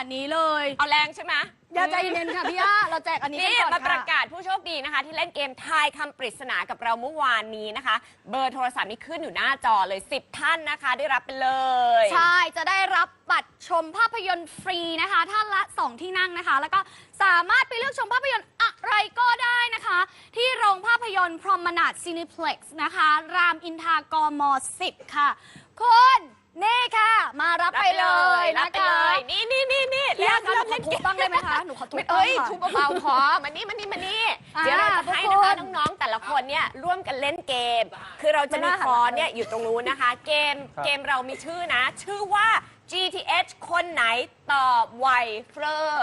นี้เลยเอาแรงใช่ไหมอย่าใจเย็นค่ะพี่ย่าเราแจกอันนี้กันก่อนมาประค่ะกาศผู้โชคดีนะคะ ที่เล่นเกมทายคำปริศนากับเราเมื่อวานนี้นะคะ เบอร์โทรศัพท์นี่ขึ้นอยู่หน้าจอเลย10 ท่านนะคะ ได้รับไปเลยใช่ จะได้รับบัตรชมภาพยนตร์ฟรีนะคะท่านละ 2 ที่นั่งนะคะ แล้วก็สามารถไปเลือกชมภาพยนตร์อะไรก็ได้นะคะ ที่โรงภาพยนตร์พรหมนาถซีนิเพล็กซ์นะคะ รามอินทรากม10 ค่ะคุณนี่ค่ะ มารับไปเลยนะคะรับไปเลยนี่พี่ย่าคะหนูขอเล่นทุเกบมบ้างได้ไหมคะหนูขอทุบเอ้ยบ้างค่ะทุบเบาๆพอมานี่เดี๋ยวเราจะให้ทุกนะคะคนน้องๆแต่ละคนเนี่ยร่วมกันเล่นเกม คือเราจะมีคอนเนี่ยอยู่ตรงนู้นนะคะ เกมเรามีชื่อนะ ชื่อว่า GTH คนไหนตอบไวเฟอร์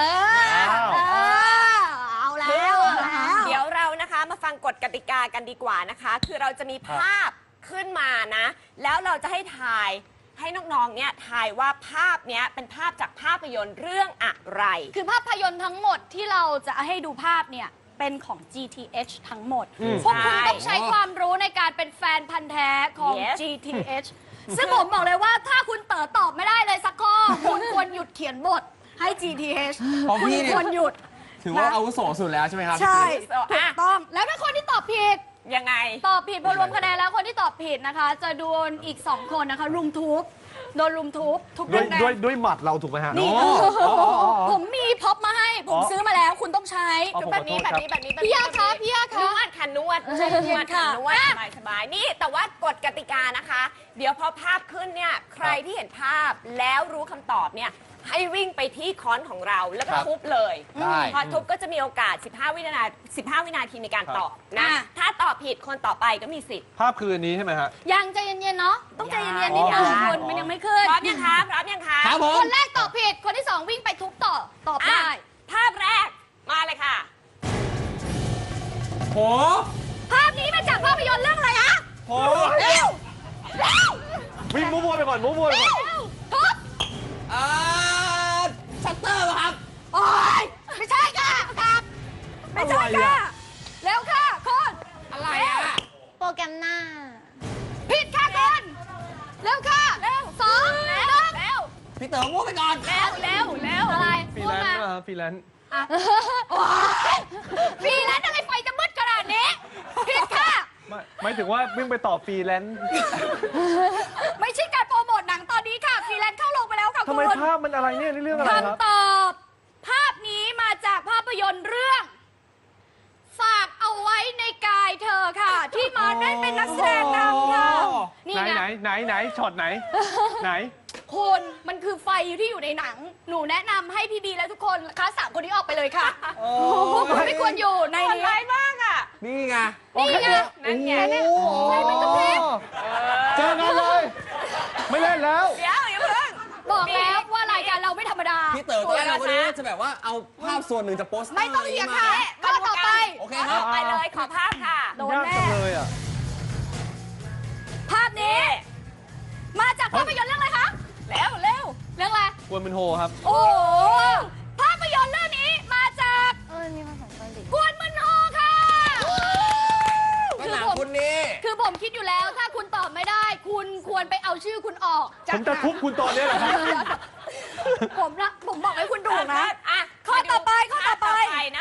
เอาแล้วเอาแล้วเดี๋ยวเรานะคะมาฟังกฎกติกากันดีกว่านะคะ คือเราจะมีภาพขึ้นมานะ แล้วเราจะให้ทายให้น้องๆเนี่ยทายว่าภาพเนี้ยเป็นภาพจากภาพยนตร์เรื่องอะไรคือภาพยนตร์ทั้งหมดที่เราจะให้ดูภาพเนี่ยเป็นของ GTH ทั้งหมด พวกคุณต้องใช้ความรู้ในการเป็นแฟนพันธ์แท้ของ Yes GTH ซึ่งผมบอกเลยว่าถ้าคุณเต๋อตอบไม่ได้เลยสักข้อ คุณควรหยุดเขียนบทให้ GTH ของคุณพี่เนี่ยควรหยุดถือว่าอาวุโสสุดแล้วใช่ไหมครับใช่พี่ถูกต้อง แล้วถ้าคนที่ตอบผิดยังไงตอบผิดพอรวมคะแนนแล้วคนที่ตอบผิดนะคะ จะโดนอีก 2 คนนะคะรุมทุบโดนรุมทุบทุบด้วยแรงๆด้วยหมัดเราถูกไหมฮะนี่อ๋อผมมีพ็อปมาให้ ผมซื้อมาแล้วคุณต้องใช้อ๋อแบบนี้ขอโทษครับพี่ย่าคะพี่ย่าคะนวดค่ะนวดใจเย็นๆค่ะนวดสบายๆนี่แต่ว่ากฎกติกานะคะ เดี๋ยวพอภาพขึ้นเนี่ยใครที่เห็นภาพแล้วรู้คำตอบเนี่ยให้วิ่งไปที่ค้อนของเราแล้วก็ครับทุบเลยได้พอทุบก็จะมีโอกาส 15 วินาทีในการตอบนะ ถ้าตอบผิดคนต่อไปก็มีสิทธิ์ภาพคืออันนี้ใช่ไหมฮะยังใจเย็นๆเนาะต้องใจเย็นๆนิดนึงยังคุณมันยังไม่ขึ้นพร้อมยังคะพร้อมยังคะครับผมคนแรกตอบผิดคนที่ 2 วิ่งไปทุบต่อตอบอ่ะได้ภาพแรกมาเลยค่ะโหภาพนี้มาจากภาพยนตร์เรื่องอะไรอะโหเร็วเร็ววิ่งมั่วๆไปก่อนมั่วๆไปก่อนทุบชัตเตอร์ป่ะครับโอ๊ยไม่ใช่ค่ะครับไม่ใช่ค่ะเร็วค่ะคุณอะไรอ่ะโปรแกรมหน้าผิดค่ะคุณเร็วค่ะเร็ว2 1 เร็วพี่เต๋อมั่วไปก่อนเร็วอะไรฟรีพูดแลนมาซ์นะครับฟรีแลนซ์โอ๊ยฟรีแลนซ์อะไรไฟจะมืดขนาดนี้ผิดค่ะหมายถึงว่าวิ่งไปต่อฟรีแลนซ์ไม่ใช่การโปรโมทหนังตอนนี้ค่ะฟรีแลนซ์เข้าลงไปแล้วค่ะทำคุไมณภาพมันอะไรเนี่ยนี่เรื่องอะไรครับคำตอบ ภาพนี้มาจากภาพยนตร์เรื่อง ฝากเอาไว้ในกายเธอค่ะ ที่มาได้เป็นนักแสดงนำค่ะ นี่ไหนไงไหนช็อตไหน ไหนคุณมันคือไฟที่อยู่ในหนัง หนูแนะนำให้พี่บีและทุกคนคะ3 คนนี้ออกไปเลยค่ะพวกคุณไม่ควรอยู่ในคนนี้ร้ายมากอ่ะนี่ไงนี่ไงนั่นไงโอ้โหไฟมันกระพริบเจอกันเลย ไม่เล่นแล้วเดี๋ยวอย่าเพิ่งบอกแล้วว่ารายการเราไม่ธรรมดาพี่เต๋อตอนแรกเราคนนี้จะแบบว่าเอาภาพส่วนหนึ่งจากโปสเตอร์ไม่ต้องเถียงค่ะข้อต่อไปโอเคครับไปเลยขอภาพค่ะโดนยากแน่จังเลยอ่ะภาพนี้ มาจากภาพยนตร์เรื่องอะไรคะเร็วเรื่องอะไรกวนเป็นโฮครับโอ้โหภาพยนตร์เรื่องนี้มาจากมีภาษาเกาหลีกวนมึนโฮค่ะก็หนังคุณนี่คือผมคิดอยู่แล้วถ้าคุณตอบไม่ได้ คุณควรไปเอาชื่อคุณออกผมจะทุบคุณตอนนี้เหรอครับผมบอกให้คุณดูนะอ่ะข้อต่อไปข้อต่อไป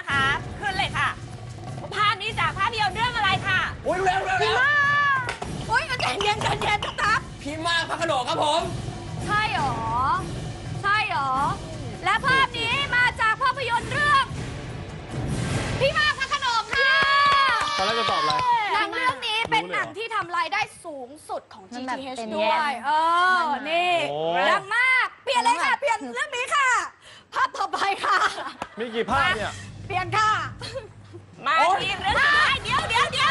โอ้ยเร็วโอ๊ยใจเย็นครับพี่มากพระโขนงครับผมใช่หรอ ใช่หรอ และภาพนี้มาจากภาพยนตร์เรื่อง พี่มากพระโขนงค่ะตอนแรกจะตอบอะไรหนังเรื่องนี้เป็นรู้เลยหเหรอนังที่ทำรายได้สูงสุดของมันแบบ GTH เป็นด้วย นี่โอ้ดังมาก เปลี่ยนเลยค่ะ เปลี่ยนเรื่องนี้ค่ะ ภาพต่อไปค่ะมีกี่ภาพเนี่ยเปลี่ยนค่ะมาทีเรื่องสุดท้ายเดี๋ยว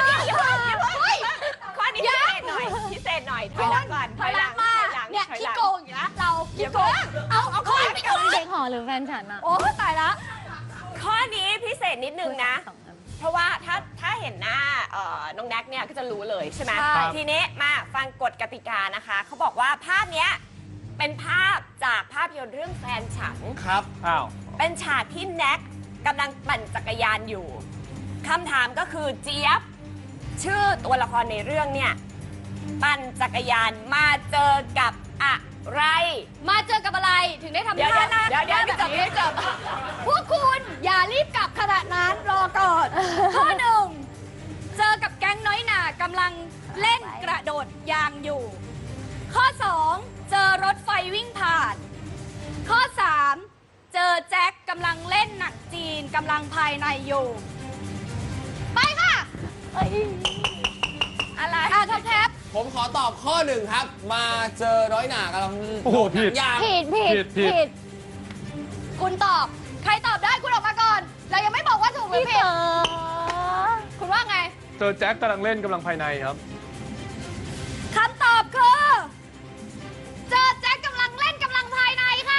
ข้อนี้พิเศษหน่อยถอยหลังก่อนถอยหลังมา เนี่ยถอยขี้หลังโกงอยู่นะเราขี้โกงเอาข้อนี้ไปก่อนเด็กหอหรือแฟนฉันอะโอ้ตายละข้อนี้พิเศษนิดนึงนะสองอันเพราะว่าถ้าเห็นหน้าน้องแน็กเนี่ยก็จะรู้เลยใช่ไหมใช่ทีนี้มาฟังกฎกติกานะคะ เขาบอกว่าภาพเนี้ยเป็นภาพจากภาพยนตร์เรื่องแฟนฉันครับอ้าวเป็นฉากที่แน็กกำลังปั่นจักรยานอยู่คำถามก็คือเจี๊ยบ ชื่อตัวละครในเรื่องเนี่ย ปั่นจักรยานมาเจอกับอะไรมาเจอกับอะไรถึงได้ทำเดี๋ยวท่าหน้าเดี๋ยวแบบนี้ไม่จบพวกคุณอย่ารีบกลับขณะนั้นรอก่อน ข้อหนึ่งเจอกับแก๊งน้อยหน่ากำลังเล่นกระโดดยางอยู่ ข้อ 2 เจอรถไฟวิ่งผ่าน ข้อ 3 เจอแจ็คกำลังเล่นหนังจีนกำลังภายในอยู่ ไปค่ะอะไรท็อปแท็บผมขอตอบข้อ 1 ครับ มาเจอน้อยหนากำลังโอ้โหผิดยางผิดผิดคุณตอบ ใครตอบได้คุณออกมาก่อน เรายังไม่บอกว่าถูกหรือพี่ผิดเต๋อคุณว่าไงเจอแจ็คกำลังเล่นกำลังภายในครับคำตอบคือ เจอแจ็คกำลังเล่นกำลังภายในค่ะ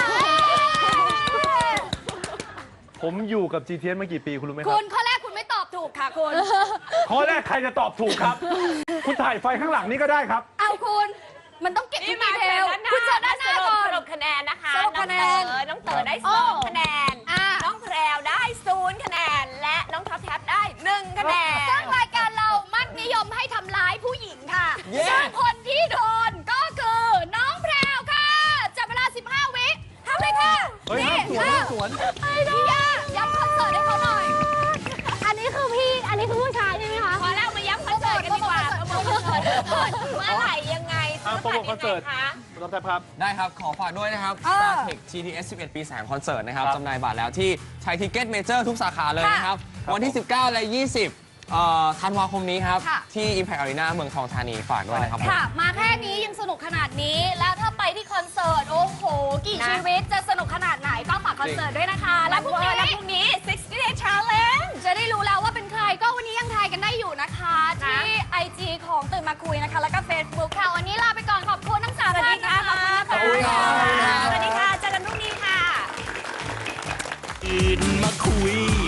ผมอยู่กับ GTS มากี่ปีคุณรู้ไหมคคุรับณข้อแรกคุณไม่ตอบถูกค่ะคุณข้อแรกใครจะตอบถูกครับ คุณถ่ายไฟข้างหลังนี่ก็ได้ครับเอาคุณ มันต้องเก็บทุนี่กมาดีเทลด้านหน้าคุณเจอด้านหน้าก่อนสรุปคะแนนนะคะสรุปคะแนนน้องเต๋อได้โอ้ 2 คะแนนอ่ะน้องแพรวได้0 คะแนน และน้องท็อปแท็บได้ 1 คะแนนซึ่งรายการเรามักนิยมให้ทำร้ายผู้หญิงค่ะเย้ซึ่งคนที่โดนก็คือน้องแพรวค่ะจับเวลา 15 วิทำเลยค่ะเฮ้ยห้ามสวนห้ามสวนพี่ย่าย้ำคอนเสิร์ตให้เขาหน่อยอันนี้คือพี่ อันนี้คือผู้ชายใช่ไหมคะพอแล้วมาย้ำคอนเสิร์ตกันดีกว่าโปรโมทคอนเสิร์ตเมื่อไหร่ยังไงอ่ะโปรโมทคอนเสิร์ตยังไงคะคุณรับแทบครับได้ครับ ขอฝากด้วยนะครับ StarTech GTS 11 ปี 3 คอนเสิร์ตนะครับครับจำหน่ายบัตรแล้วที่ไทยทิเก็ตเมเจอร์ทุกสาขาเลยนะครับครับวันที่ 19 และ 20ธันวาคมนี้ครับค่ะที่ Impact Arena เมืองทองธานีฝากด้วยนะครับผมค่ะ มาแค่นี้ยังสนุกขนาดนี้ แล้วถ้าไปที่คอนเสิร์ต โอ้โห กี่ชีวิตจะสนุกขนาดไหนก็ฝากคอนเสิร์ตด้วยนะคะ และพรุ่งนี้แล้วพรุ่งนี้ 60 Day Challenge จะได้รู้แล้วว่าเป็นใครก็วันนี้ยังทายกันได้อยู่นะคะ ที่ IG ของตื่นมาคุยนะคะ แล้วก็ Facebook ค่ะ วันนี้ลาไปก่อนขอบคุณทั้งสามสวัสท่าดีนค่ะนะคะขอบคุณค่ะขอบคุณครับสวัสดีค่ะ เจอกันพรุ่งนี้ค่ะตื่นมาคุย